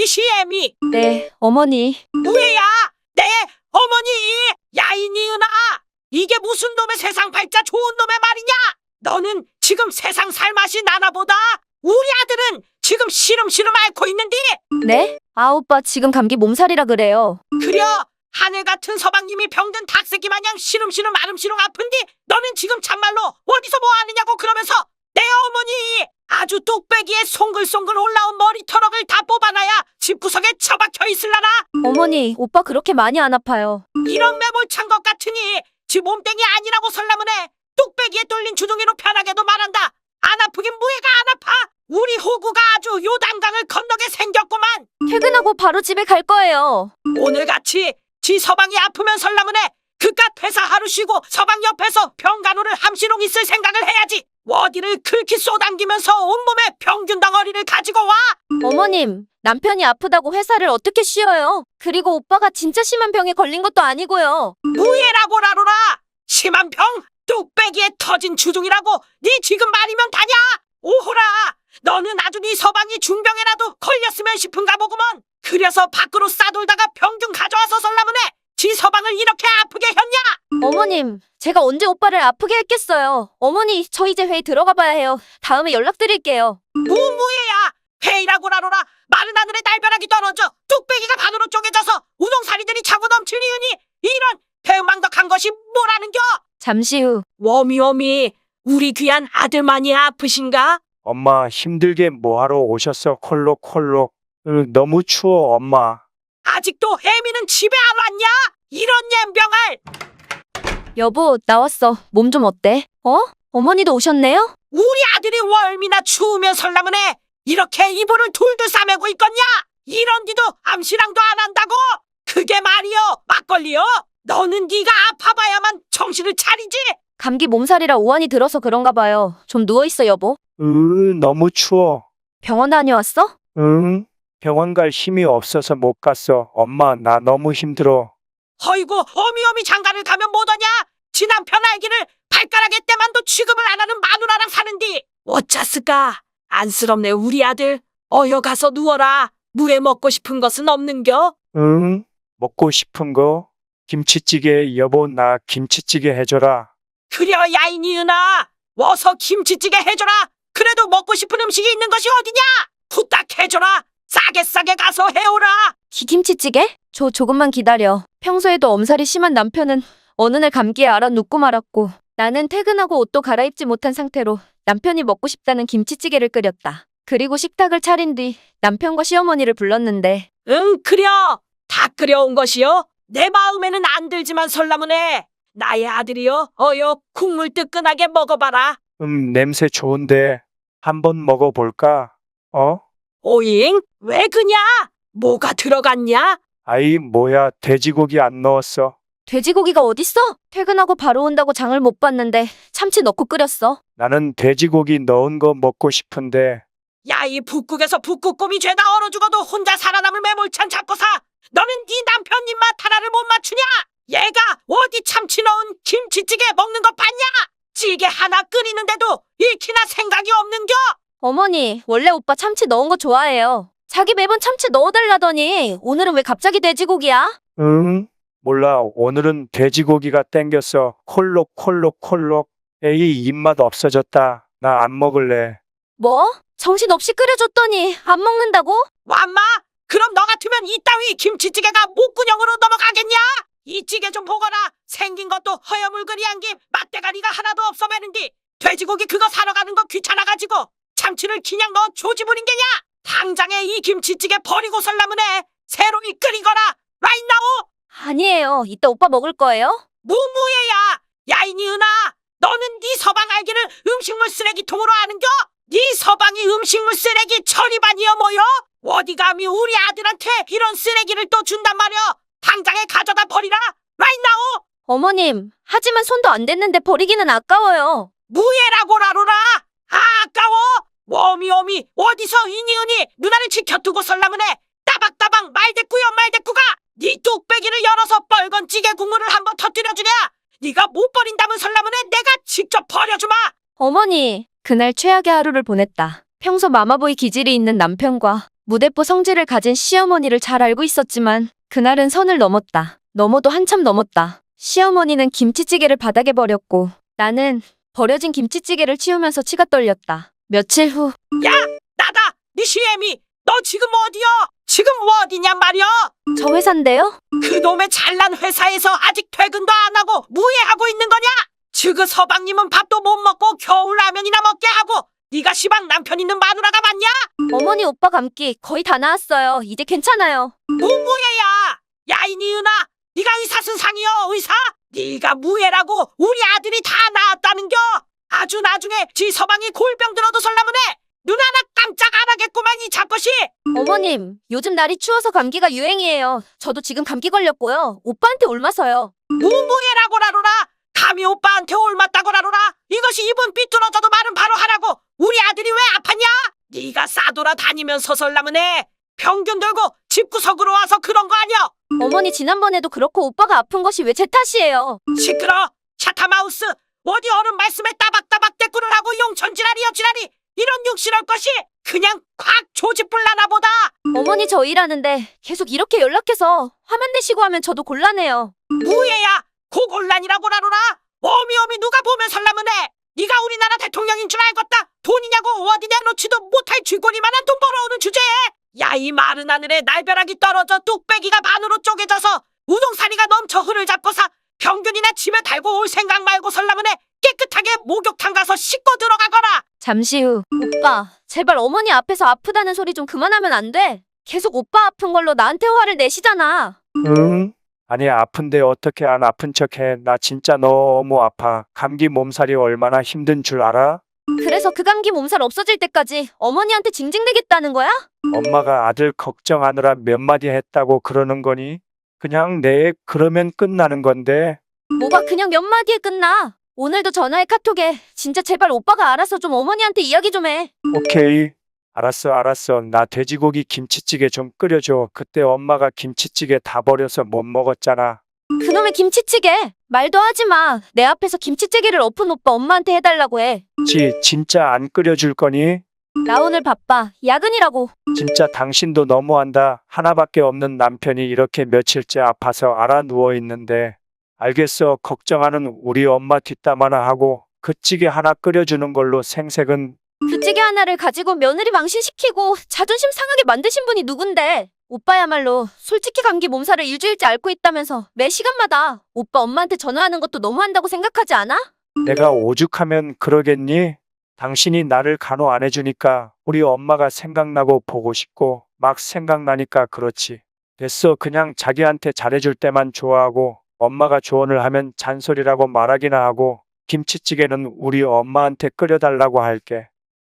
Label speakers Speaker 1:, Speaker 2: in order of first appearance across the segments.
Speaker 1: 시애미.
Speaker 2: 네, 어머니.
Speaker 1: 뭐야? 내 어머니! 야, 이 니은아! 이게 무슨 놈의 세상 발자 좋은 놈의 말이냐? 너는 지금 세상 살 맛이 나나 보다. 우리 아들은 지금 시름시름 앓고 있는데.
Speaker 2: 네? 아, 오빠 지금 감기 몸살이라 그래요.
Speaker 1: 그려 하늘 같은 서방님이 병든 닭새끼 마냥 시름시름 아름시름 아픈데 너는 지금 참말로 어디서 뭐 하느냐고. 그러면서 내 어머니 아주 뚝배기에 송글송글 올라온 머리털럭을 다 뽑아놔야 집구석에 처박혀 있을라나.
Speaker 2: 어머니, 오빠 그렇게 많이 안 아파요.
Speaker 1: 이런 매몰찬 것 같으니 지 몸땡이 아니라고 설라문에 뚝배기에 뚫린 주둥이로 편하게도 말한다. 안 아프긴 뭐해가 안 아파. 우리 호구가 아주 요단강을 건너게 생겼구만.
Speaker 2: 퇴근하고 바로 집에 갈 거예요.
Speaker 1: 오늘같이 지 서방이 아프면 설라문에 그깟 회사 하루 쉬고 서방 옆에서 병간호를 함시롱 있을 생각을 해야지. 어디를 그렇게 쏘당기면서 온몸에 병균 덩어리를 가지고 와.
Speaker 2: 어머님, 남편이 아프다고 회사를 어떻게 쉬어요? 그리고 오빠가 진짜 심한 병에 걸린 것도 아니고요.
Speaker 1: 무예라고 라로라. 심한 병? 뚝배기에 터진 주둥이라고 네 지금 말이면 다냐? 오호라, 너는 아주 네 서방이 중병에라도 걸렸으면 싶은가 보구먼. 그래서 밖으로 싸돌다가 병균 가져와서 설라문에 지 서방을 이렇게 아프게 했냐?
Speaker 2: 어머님, 제가 언제 오빠를 아프게 했겠어요. 어머니, 저 이제 회의 들어가 봐야 해요. 다음에 연락드릴게요.
Speaker 1: 무예야. 회의라고 라로라. 마른 하늘에 날벼락이 떨어져 뚝배기가 반으로 쪼개져서 우동사리들이 차고 넘치니으니 이런 배은망덕한 것이 뭐라는겨?
Speaker 2: 잠시 후.
Speaker 1: 워미워미, 우리 귀한 아들만이 아프신가?
Speaker 3: 엄마 힘들게 뭐하러 오셨어? 콜록콜록. 너무 추워 엄마.
Speaker 1: 아직도 혜미는 집에 안 왔냐? 이런 옌병을.
Speaker 2: 여보, 나왔어. 몸 좀 어때? 어머니도 오셨네요?
Speaker 1: 우리 아들이 월미나 추우면 설라문에 이렇게 이불을 둘둘 싸매고 있겠냐? 이런 니도 암시랑도 안 한다고? 그게 말이여 막걸리여? 너는 네가 아파봐야만 정신을 차리지.
Speaker 2: 감기 몸살이라 오한이 들어서 그런가 봐요. 좀 누워있어, 여보.
Speaker 3: 너무 추워.
Speaker 2: 병원 다녀왔어?
Speaker 3: 응? 병원 갈 힘이 없어서 못 갔어. 엄마 나 너무 힘들어.
Speaker 1: 허이고 어미어미 장가를 가면 뭐더냐? 지 남편 알기를 발가락에 때만도 취급을 안 하는 마누라랑 사는디 어쩌스까? 안쓰럽네 우리 아들. 어여 가서 누워라. 무에 먹고 싶은 것은 없는겨?
Speaker 3: 응? 먹고 싶은 거? 김치찌개. 여보 나 김치찌개 해줘라.
Speaker 1: 그려 야이니은아, 어서 김치찌개 해줘라. 그래도 먹고 싶은 음식이 있는 것이 어디냐? 후딱 해줘라. 싸게 가서 해오라.
Speaker 2: 김치찌개? 조금만 기다려. 평소에도 엄살이 심한 남편은 어느 날 감기에 알아 눕고 말았고, 나는 퇴근하고 옷도 갈아입지 못한 상태로 남편이 먹고 싶다는 김치찌개를 끓였다. 그리고 식탁을 차린 뒤 남편과 시어머니를 불렀는데,
Speaker 1: 응, 그려. 다 끓여온 것이요. 내 마음에는 안 들지만 설라문에 나의 아들이여, 어여 국물 뜨끈하게 먹어봐라.
Speaker 3: 냄새 좋은데 한번 먹어볼까?
Speaker 1: 오잉? 왜 그냐? 뭐가 들어갔냐?
Speaker 3: 아이 뭐야 돼지고기 안 넣었어.
Speaker 2: 돼지고기가 어딨어? 퇴근하고 바로 온다고 장을 못 봤는데 참치 넣고 끓였어.
Speaker 3: 나는 돼지고기 넣은 거 먹고 싶은데.
Speaker 1: 야, 이 북극에서 북극곰이 죄다 얼어 죽어도 혼자 살아남을 매몰찬 잡고사. 너는 네 남편 입맛 하나를 못 맞추냐? 얘가 어디 참치 넣은 김치찌개 먹는 거 봤냐? 찌개 하나 끓이는데도 익히나 생각이 없는겨?
Speaker 2: 어머니, 원래 오빠 참치 넣은 거 좋아해요. 자기 매번 참치 넣어달라더니 오늘은 왜 갑자기 돼지고기야?
Speaker 3: 응? 몰라 오늘은 돼지고기가 땡겼어. 콜록콜록콜록. 에이 입맛 없어졌다. 나 안 먹을래.
Speaker 2: 뭐? 정신없이 끓여줬더니 안 먹는다고?
Speaker 1: 완마? 그럼 너 같으면 이따위 김치찌개가 목구녕으로 넘어가겠냐? 이 찌개 좀 보거라. 생긴 것도 허여물거리한 게 맛대가리가 하나도 없어 매는디 돼지고기 그거 사러 가는 거 귀찮아가지고 참치를 그냥 넣어 조지부린 게냐? 당장에 이 김치찌개 버리고 설라문에 새로 끓이거라. right now.
Speaker 2: 아니에요. 이따 오빠 먹을 거예요?
Speaker 1: 무무예야. 야이니은아, 너는 네 서방 알기를 음식물 쓰레기통으로 아는겨? 네 서방이 음식물 쓰레기 처리반이여 뭐여? 어디 감히 우리 아들한테 이런 쓰레기를 또 준단 말이여. 당장에 가져다 버리라. right now.
Speaker 2: 어머님, 하지만 손도 안 댔는데 버리기는 아까워요.
Speaker 1: 무예라고 라로라. 아까워. 워미워미 어디서 이니은이 누나를 지켜두고 설라문에 따박따박 말대꾸가 네 뚝배기를 열어서 빨간 찌개 국물을 한번 터뜨려주냐? 네가 못 버린다면 설라문에 내가 직접 버려주마.
Speaker 2: 어머니, 그날 최악의 하루를 보냈다. 평소 마마보이 기질이 있는 남편과 무대뽀 성질을 가진 시어머니를 잘 알고 있었지만 그날은 선을 넘었다. 넘어도 한참 넘었다. 시어머니는 김치찌개를 바닥에 버렸고 나는 버려진 김치찌개를 치우면서 치가 떨렸다. 며칠 후
Speaker 1: 야, 나다. 네 시애미. 너 지금 어디야? 지금 어디냔 말이야?
Speaker 2: 저 회사인데요?
Speaker 1: 그놈의 잘난 회사에서 아직 퇴근도 안 하고 무예하고 있는 거냐? 지그 서방님은 밥도 못 먹고 겨울 라면이나 먹게 하고 네가 시방 남편 있는 마누라가 맞냐?
Speaker 2: 어머니 오빠 감기 거의 다 나았어요. 이제 괜찮아요.
Speaker 1: 무예야. 야, 이 니은아. 네가 의사 선상이여 의사? 네가 무예라고 우리 아들이 다 나았다는겨? 아주 나중에 지 서방이 골병 들어도 설라문에 눈 하나 깜짝 안 하겠구만 이 잡것이.
Speaker 2: 어머님, 요즘 날이 추워서 감기가 유행이에요. 저도 지금 감기 걸렸고요. 오빠한테 옮아서요.
Speaker 1: 무예라고라로라. 감히 오빠한테 옮았다고라로라. 이것이 입은 삐뚤어져도 말은 바로 하라고. 우리 아들이 왜 아팠냐? 네가 싸돌아 다니면서 설라문에 병균 들고 집구석으로 와서 그런 거 아니야?
Speaker 2: 어머니 지난번에도 그렇고 오빠가 아픈 것이 왜 제 탓이에요?
Speaker 1: 시끄러. 샤타마우스. 어디 어른 말씀에 따박따박 대꾸를 하고 용천지랄이여 지랄이. 이런 육실할 것이 그냥 콱 조집불나나 보다.
Speaker 2: 어머니 저 일하는데 계속 이렇게 연락해서 화만 내시고 하면 저도 곤란해요.
Speaker 1: 무예야. 고곤란이라고라로라. 어미어미 누가 보면 설라문에 네가 우리나라 대통령인 줄 알겠다. 돈이냐고 어디 내놓지도 못할 쥐꼬리만한 돈 벌어오는 주제에. 야, 이 마른 하늘에 날벼락이 떨어져 뚝배기가 반으로 쪼개져서 우동사리가 넘쳐 흐를 잡고사 병균이나 집에 달고 올 생각 말고 설라문에 깨끗하게 목욕탕 가서 씻고 들어가거라.
Speaker 2: 잠시 후 오빠, 제발 어머니 앞에서 아프다는 소리 좀 그만하면 안 돼? 계속 오빠 아픈 걸로 나한테 화를 내시잖아.
Speaker 3: 응? 아니 아픈데 어떻게 안 아픈 척해. 나 진짜 너무 아파. 감기 몸살이 얼마나 힘든 줄 알아?
Speaker 2: 그래서 그 감기 몸살 없어질 때까지 어머니한테 징징대겠다는 거야?
Speaker 3: 엄마가 아들 걱정하느라 몇 마디 했다고 그러는 거니? 그냥 내 그러면 끝나는 건데.
Speaker 2: 뭐가 그냥 몇 마디에 끝나. 오늘도 전화해 카톡에 진짜 제발 오빠가 알아서 좀 어머니한테 이야기 좀 해.
Speaker 3: 오케이. 알았어. 나 돼지고기 김치찌개 좀 끓여줘. 그때 엄마가 김치찌개 다 버려서 못 먹었잖아.
Speaker 2: 그놈의 김치찌개. 말도 하지 마. 내 앞에서 김치찌개를 엎은 오빠 엄마한테 해달라고 해.
Speaker 3: 진짜 안 끓여줄 거니?
Speaker 2: 나 오늘 바빠. 야근이라고.
Speaker 3: 진짜 당신도 너무한다. 하나밖에 없는 남편이 이렇게 며칠째 아파서 알아 누워 있는데. 알겠어. 걱정하는 우리 엄마 뒷담 하나 하고 그 찌개 하나 끓여주는 걸로 생색은.
Speaker 2: 그 찌개 하나를 가지고 며느리 망신시키고 자존심 상하게 만드신 분이 누군데. 오빠야말로 솔직히 감기 몸살을 일주일째 앓고 있다면서 매 시간마다 오빠 엄마한테 전화하는 것도 너무한다고 생각하지 않아?
Speaker 3: 내가 오죽하면 그러겠니? 당신이 나를 간호 안 해주니까 우리 엄마가 생각나고 보고 싶고 막 생각나니까 그렇지. 됐어. 그냥 자기한테 잘해줄 때만 좋아하고 엄마가 조언을 하면 잔소리라고 말하기나 하고 김치찌개는 우리 엄마한테 끓여달라고 할게.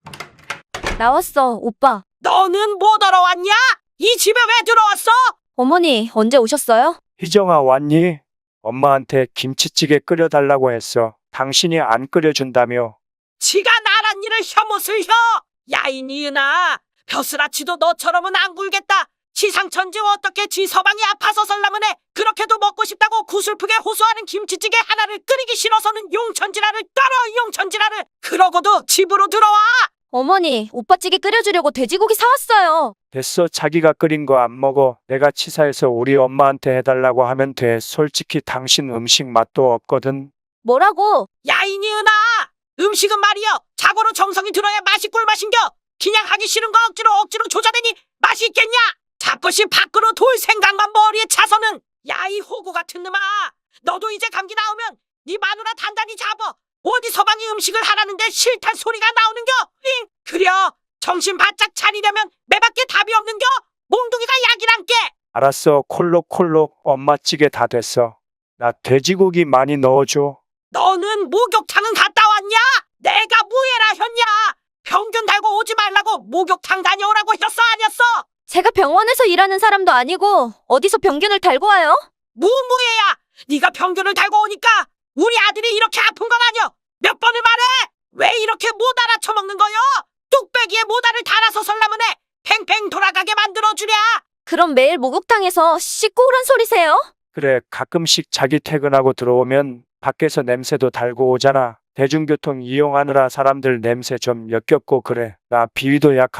Speaker 2: 나왔어, 오빠.
Speaker 1: 너는 못 알아왔냐? 이 집에 왜 들어왔어?
Speaker 2: 어머니, 언제 오셨어요?
Speaker 3: 희정아 왔니? 엄마한테 김치찌개 끓여달라고 했어. 당신이 안 끓여준다며.
Speaker 1: 지가 나란 일을 혐옷을 혀. 야, 이 니은아. 벼슬아치도 너처럼은 안 굴겠다. 시상천지 어떻게 지 서방이 아파서 설라문에 그렇게도 먹고 싶다고 구슬프게 호소하는 김치찌개 하나를 끓이기 싫어서는 용천지라를 떨어 용천지라를. 그러고도 집으로 들어와.
Speaker 2: 어머니, 오빠 찌개 끓여주려고 돼지고기 사왔어요.
Speaker 3: 됐어. 자기가 끓인 거 안 먹어. 내가 치사해서 우리 엄마한테 해달라고 하면 돼. 솔직히 당신 음식 맛도 없거든.
Speaker 2: 뭐라고?
Speaker 1: 야, 이 니은아. 음식은 말이여 자고로 정성이 들어야 맛이 꿀맛인겨. 그냥 하기 싫은 거 억지로 조자대니 맛이 있겠냐? 잡것이 밖으로 돌 생각만 머리에 차서는. 야, 이 호구 같은 놈아. 너도 이제 감기 나오면 네 마누라 단단히 잡어. 어디 서방이 음식을 하라는데 싫단 소리가 나오는겨? 잉? 그려. 정신 바짝 차리려면 매밖에 답이 없는겨? 몽둥이가 약이란께.
Speaker 3: 알았어. 콜록콜록 엄마 찌개 다 됐어. 나 돼지고기 많이 넣어줘.
Speaker 1: 너는 목욕탕은 갔다 왔냐? 내가 무예라 했냐? 평균 달고 오지 말라고 목욕탕 다녀오라고 했어 아니었어?
Speaker 2: 제가 병원에서 일하는 사람도 아니고 어디서 병균을 달고 와요?
Speaker 1: 무예야. 네가 평균을 달고 오니까 우리 아들이 이렇게 아픈 건 아니여. 몇 번을 말해? 왜 이렇게 못 알아쳐먹는 거요? 뚝배기에 모다를 달아서 설라문에 팽팽 돌아가게 만들어주랴.
Speaker 2: 그럼 매일 목욕탕에서 씻고 오란 소리세요?
Speaker 3: 그래, 가끔씩 자기 퇴근하고 들어오면 밖에서 냄새도 달고 오잖아. 대중교통 이용하느라 사람들 냄새 좀 역겹고 그래. 나 비위도 약한데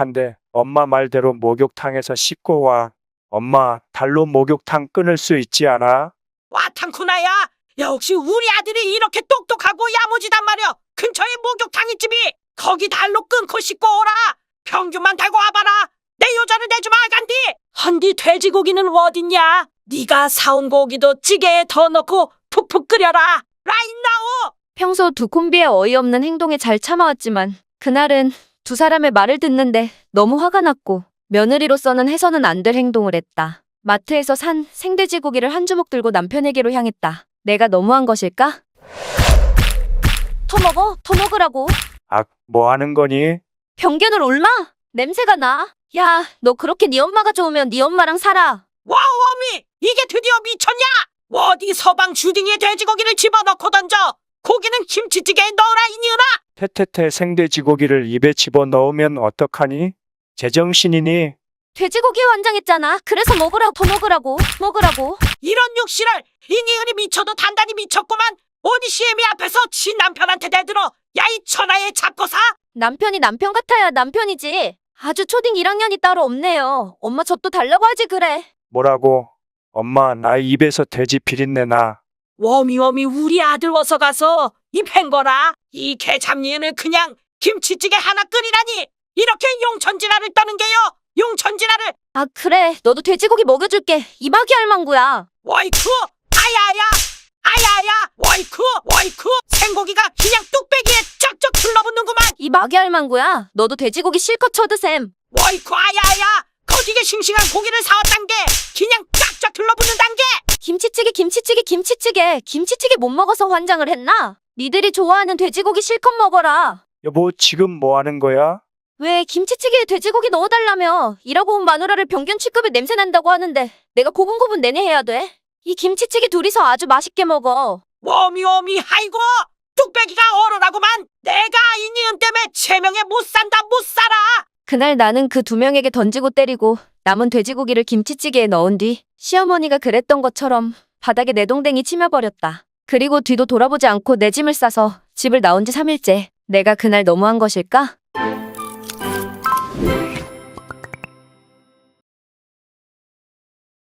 Speaker 3: 엄마 말대로 목욕탕에서 씻고 와. 엄마, 달로 목욕탕 끊을 수 있지 않아?
Speaker 1: 와탕쿠나야. 역시 우리 아들이 이렇게 똑똑하고 야무지단 말이야. 근처에 목욕탕 있지비. 거기 달로 끊고 씻고 오라. 평균만 달고 와봐라. 내 여자를 내주마 간디. 헌디 돼지고기는 어딨냐? 네가 사온 고기도 찌개에 더 넣고 푹푹 끓여라. 라인나오.
Speaker 2: 평소 두 콤비의 어이없는 행동에 잘 참아왔지만 그날은 두 사람의 말을 듣는데 너무 화가 났고 며느리로서는 해서는 안 될 행동을 했다. 마트에서 산 생돼지고기를 한 주먹 들고 남편에게로 향했다. 내가 너무한 것일까? 더 먹으라고.
Speaker 3: 아, 뭐 하는 거니?
Speaker 2: 병균을 옮마? 냄새가 나. 야, 너 그렇게 네 엄마가 좋으면 네 엄마랑 살아.
Speaker 1: 와우 어미. 이게 드디어 미쳤냐? 어디 서방 주둥이에 돼지고기를 집어넣고 던져. 고기는 김치찌개에 넣어라 이니은아.
Speaker 3: 태태태 생돼지고기를 입에 집어넣으면 어떡하니? 제정신이니?
Speaker 2: 돼지고기 완장했잖아. 그래서 먹으라고.
Speaker 1: 이런 육실을 이니은이 미쳐도 단단히 미쳤구만. 오니 시애미 앞에서 지 남편한테 대들어. 야 이 천하의 잡고사.
Speaker 2: 남편이 남편 같아야 남편이지. 아주 초딩 1학년이 따로 없네요. 엄마 저 또 달라고 하지 그래.
Speaker 3: 뭐라고? 엄마, 나 입에서 돼지 비린내 나.
Speaker 1: 워미워미 우리 아들 어서 가서 이 팽거라. 이 개잡니은을 그냥 김치찌개 하나 끓이라니. 이렇게 용천진화를 떠는 게요. 용천진화를.
Speaker 2: 아 그래. 너도 돼지고기 먹여줄게. 이박이 할망구야.
Speaker 1: 워이쿠 아야야 워이쿠 생고기가 그냥 뚝배기에 쩍쩍 둘러붙는구만.
Speaker 2: 이박이 할망구야. 너도 돼지고기 실컷 쳐드셈.
Speaker 1: 워이쿠 아야야 거기게 싱싱한 고기를 사왔단 게 그냥 쫙쫙 둘러붙는단 게.
Speaker 2: 김치찌개 못 먹어서 환장을 했나? 니들이 좋아하는 돼지고기 실컷 먹어라.
Speaker 3: 여보, 지금 뭐 하는 거야?
Speaker 2: 왜 김치찌개에 돼지고기 넣어달라며. 일하고 온 마누라를 병균 취급에 냄새 난다고 하는데 내가 고분고분 내내 해야 돼? 이 김치찌개 둘이서 아주 맛있게 먹어.
Speaker 1: 워미워미 아이고 뚝배기가 얼어라구만. 내가 이 니은 때문에 제명에 못 산다 못 살아.
Speaker 2: 그날 나는 그 두 명에게 던지고 때리고 남은 돼지고기를 김치찌개에 넣은 뒤 시어머니가 그랬던 것처럼 바닥에 내동댕이 치며버렸다. 그리고 뒤도 돌아보지 않고 내 짐을 싸서 집을 나온 지 3일째. 내가 그날 너무한 것일까?